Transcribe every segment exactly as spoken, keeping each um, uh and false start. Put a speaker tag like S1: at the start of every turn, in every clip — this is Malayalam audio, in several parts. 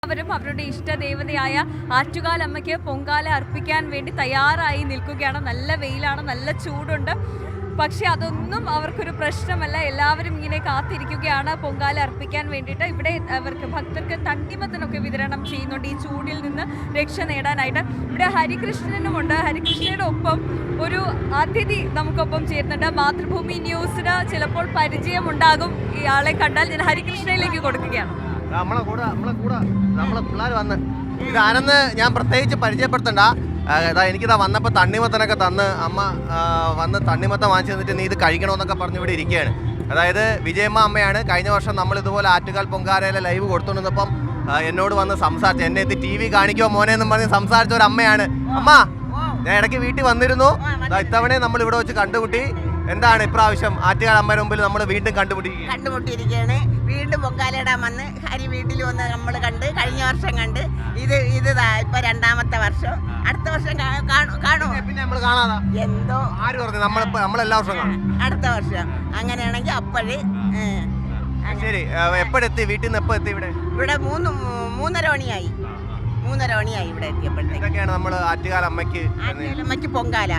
S1: അവരും അവരുടെ ഇഷ്ടദേവതയായ ആറ്റുകാലമ്മയ്ക്ക് പൊങ്കാല അർപ്പിക്കാൻ വേണ്ടി തയ്യാറായി നിൽക്കുകയാണ്. നല്ല വെയിലാണ്, നല്ല ചൂടുണ്ട്. പക്ഷെ അതൊന്നും അവർക്കൊരു പ്രശ്നമല്ല. എല്ലാവരും ഇങ്ങനെ കാത്തിരിക്കുകയാണ് പൊങ്കാല അർപ്പിക്കാൻ വേണ്ടിയിട്ട്. ഇവിടെ അവർക്ക് ഭക്തർക്ക് തണ്ണിമത്തനൊക്കെ വിതരണം ചെയ്യുന്നുണ്ട് ഈ ചൂടിൽ നിന്ന് രക്ഷ നേടാനായിട്ട്. ഇവിടെ ഹരികൃഷ്ണനുമുണ്ട്. ഹരികൃഷ്ണയുടെ ഒപ്പം ഒരു അതിഥി നമുക്കൊപ്പം ചേരുന്നുണ്ട്. മാതൃഭൂമി ന്യൂസിന് ചിലപ്പോൾ പരിചയമുണ്ടാകും ഇയാളെ കണ്ടാൽ. ഞാൻ ഹരികൃഷ്ണയിലേക്ക് കൊടുക്കുകയാണ്.
S2: നമ്മളെ കൂടെ നമ്മളെ കൂടെ നമ്മളെ പിള്ളേർ വന്ന് ഇതാണെന്ന് ഞാൻ പ്രത്യേകിച്ച് പരിചയപ്പെടുത്തണ്ട. അതാ എനിക്കിതാ വന്നപ്പോൾ തണ്ണിമത്തനൊക്കെ തന്ന് അമ്മ വന്ന് തണ്ണിമത്തം വാങ്ങിച്ചു തന്നിട്ട് നീ ഇത് കഴിക്കണമെന്നൊക്കെ പറഞ്ഞ് ഇവിടെ ഇരിക്കുകയാണ്. അതായത് വിജയമ്മ അമ്മയാണ്. കഴിഞ്ഞ വർഷം നമ്മൾ ഇതുപോലെ ആറ്റുകാൽ പൊങ്കാലയിലെ ലൈവ് കൊടുത്തുകൊണ്ടിരുന്നപ്പം എന്നോട് വന്ന് സംസാരിച്ചു. എന്നെ എത്തി ടി വി കാണിക്കുമോ മോനെ എന്നും പറഞ്ഞ് സംസാരിച്ച ഒരു അമ്മയാണ്. അമ്മ ഞാൻ ഇടയ്ക്ക് വീട്ടിൽ വന്നിരുന്നു. ഇത്തവണ നമ്മൾ ഇവിടെ വെച്ച് കണ്ടുമുട്ടി. എന്താണ് ഇപ്രാവശ്യം ആറ്റുകാൽ അമ്മയുടെ മുമ്പിൽ നമ്മൾ വീണ്ടും കണ്ടുമുട്ടി
S3: കണ്ടുമുട്ടിയിരിക്കുകയാണ്. വീണ്ടും പൊങ്കാലയിടാൻ വന്ന് ഹരി വീട്ടിൽ വന്ന് നമ്മൾ കണ്ട്. കഴിഞ്ഞ വർഷം കണ്ട്. ഇത് ഇത് ഇപ്പൊ രണ്ടാമത്തെ വർഷം. അടുത്ത വർഷം കാണുമോ?
S2: പിന്നെ നമ്മൾ കാണാതാ
S3: എന്തോ
S2: ആര് പറഞ്ഞു നമ്മൾ നമ്മളെല്ലാ വർഷം കാണും.
S3: അടുത്ത വർഷം അങ്ങനെയാണെങ്കിൽ അപ്പോഴ്
S2: ശരി. എപ്പോഴെത്തി വീട്ടിൽ നിന്ന്? എപ്പോ എത്തി ഇവിടെ?
S3: ഇവിടെ മൂന്ന് മൂന്നര മണിയായി. മൂന്നര മണിയായി ഇവിടെ എത്തിയപ്പോഴത്തേക്കാണ്
S2: നമ്മൾ ആറ്റുകാൽ അമ്മയ്ക്ക്
S3: അമ്മയ്ക്ക് പൊങ്കാല.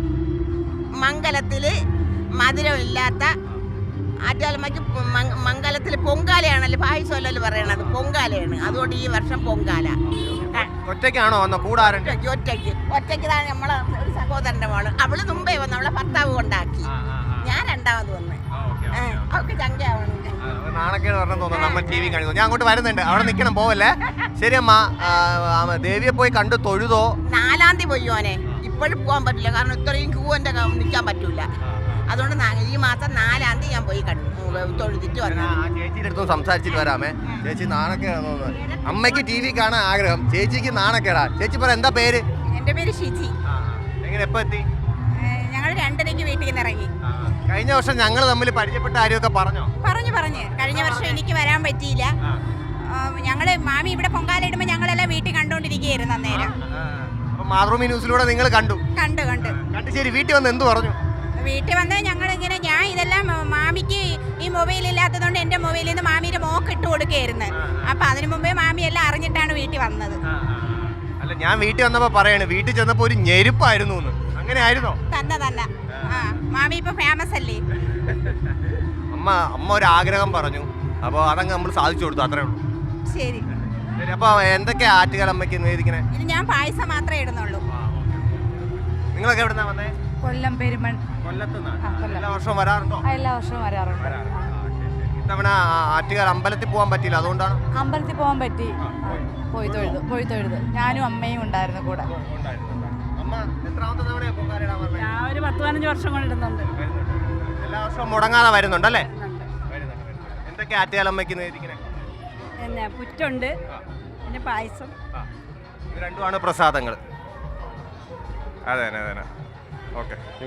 S3: മംഗലത്തില് മധുരമില്ലാത്ത ആറ്റുകാലമ്മയ്ക്ക് മംഗലത്തിൽ പൊങ്കാലയാണല്ലോ, പായസമല്ലല്ലോ പറയണത്, പൊങ്കാലയാണ്. അതുകൊണ്ട് ഈ വർഷം പൊങ്കാല.
S2: ഒറ്റയ്ക്കാണോ വന്നോ? കൂടാറുണ്ട്?
S3: ഒറ്റയ്ക്ക് ഒറ്റയ്ക്ക് ഇതാണ് നമ്മളെ ഒരു സഹോദരന്റെ മോള്. അവള് മുമ്പേ വന്നു, അവളെ ഭർത്താവ് കൊണ്ടാക്കി. ഞാൻ രണ്ടാമത് വന്ന്. അവൾക്ക് ചങ്കയാവണം.
S2: നാണക്കേട് പറഞ്ഞു തോന്നുന്നു. നമ്മൾ ടി വി കാണിക്കുന്നു. ഞാൻ അങ്ങോട്ട് വരുന്നുണ്ട്. അവിടെ നിൽക്കണം, പോവല്ലേ. ശരി അമ്മ. ദേവിയെ പോയി കണ്ടു തൊഴുതോ?
S3: നാലാം തീയതി പോയി മോനെ. ഇപ്പോഴും പോകാൻ പറ്റില്ല, കാരണം ഇത്രയും ക്യൂ എൻ്റെ നിൽക്കാൻ പറ്റൂല. അതുകൊണ്ട് ഈ മാസം നാലാം തീയതി ഞാൻ പോയി കണ്ടു തൊഴുതിട്ട് വന്നു.
S2: ചേച്ചിയുടെ അടുത്തും സംസാരിച്ചിട്ട് വരാമേ. ചേച്ചി നാണക്കേടാന്ന് തോന്നുന്നത്. അമ്മയ്ക്ക് ടി വി കാണാൻ ആഗ്രഹം, ചേച്ചിക്ക് നാണക്കേടാ. ചേച്ചി പറ, എന്താ പേര്?
S3: എൻ്റെ പേര് ഷിജി.
S2: എങ്ങനെ എപ്പോ എത്തി?
S3: ഞങ്ങൾ രണ്ടരയ്ക്ക് വീട്ടിൽ നിന്ന് ഇറങ്ങി.
S2: കഴിഞ്ഞ വർഷം ഞങ്ങൾ തമ്മിൽ പരിചയപ്പെട്ട കാര്യമൊക്കെ പറഞ്ഞോ?
S3: പറഞ്ഞു പറഞ്ഞു കഴിഞ്ഞ വർഷം എനിക്ക് വരാൻ പറ്റിയില്ല. ഞങ്ങള് മാമി ഇവിടെ പൊങ്കാല ഇടുമ്പോൾ ഞങ്ങളെല്ലാം വീട്ടിൽ കണ്ടോണ്ടിരിക്കുകയായിരുന്നു അന്നേരം.
S2: മാതൃഭൂമി ന്യൂസിലൂടെ നിങ്ങൾ കണ്ടു
S3: കണ്ടു കണ്ടു
S2: കണ്ടു ശരി. വീട്ടിൽ വന്ന് എന്ത് പറഞ്ഞു?
S3: വീട്ടിൽ വന്ന് ഞങ്ങൾ ഇങ്ങനെ, ഞാൻ ഇതെല്ലാം മാമിക്ക് ഈ മൊബൈൽ ഇല്ലാത്തതുകൊണ്ട് എൻ്റെ മൊബൈലിൽ നിന്ന് മാമിയുടെ മോക്ക് ഇട്ട് കൊടുക്കുകയായിരുന്നു. അപ്പൊ അതിനു മുമ്പേ മാമി എല്ലാം അറിഞ്ഞിട്ടാണ് വീട്ടിൽ വന്നത്.
S2: അല്ല, ഞാൻ വീട്ടിൽ വന്നപ്പോ പറയണേ വീട്ടിൽ ചെന്നപ്പോ ഒരു ഞെരുപ്പായിരുന്നു. അങ്ങനെ ആയിരുന്നോ?
S3: തന്നെ തന്നെ. ആ മാമി ഇപ്പൊ ഫേമസ് അല്ലേ.
S2: അമ്മ അമ്മ ഒരു ആഗ്രഹം പറഞ്ഞു, അപ്പൊ അതങ്ങ് നമ്മൾ സാധിച്ചു കൊടുത്തു. അത്രേ ഉള്ളൂ.
S3: ശരി.
S2: അപ്പൊ എന്തൊക്കെയാ ആറ്റുകാൽ അമ്മയ്ക്ക് നിവേദിക്കണേ?
S3: ഇത് ഞാൻ പായസം മാത്രമേ ഇടുന്നുള്ളൂ.
S2: നിങ്ങളൊക്കെ എവിടുന്നാ വന്നേ?
S4: കൊല്ലം പെരുമൺ.
S2: എല്ലാ വർഷവും വരാറുണ്ടോ?
S4: എല്ലാ വർഷവും വരാറുണ്ട്.
S2: ഇത്തവണ ആറ്റുകാൽ അമ്പലത്തിൽ പോകാൻ പറ്റിയില്ല, അതുകൊണ്ടാണ്.
S4: അമ്പലത്തിൽ പോകാൻ പറ്റി, പോയി തൊഴുതു പോയി തൊഴുതു ഞാനും അമ്മയും ഉണ്ടായിരുന്നു കൂടെ.
S1: ഞാൻ ഒരു പത്ത് പതിനഞ്ച് വർഷം കൊണ്ട് ഇടുന്നുണ്ട്.
S2: എല്ലാ വർഷവും മുടങ്ങാതെ വരുന്നുണ്ടല്ലേ? എന്തൊക്കെ ആറ്റുകാൽ അമ്മയ്ക്ക് നിവേദിക്കണേ?
S1: പിന്നെ പുറ്റുണ്ട്, പിന്നെ പായസം.
S2: ഇത് രണ്ടുമാണ് പ്രസാദങ്ങൾ. അതെ അതെ അതെ. ഓക്കെ.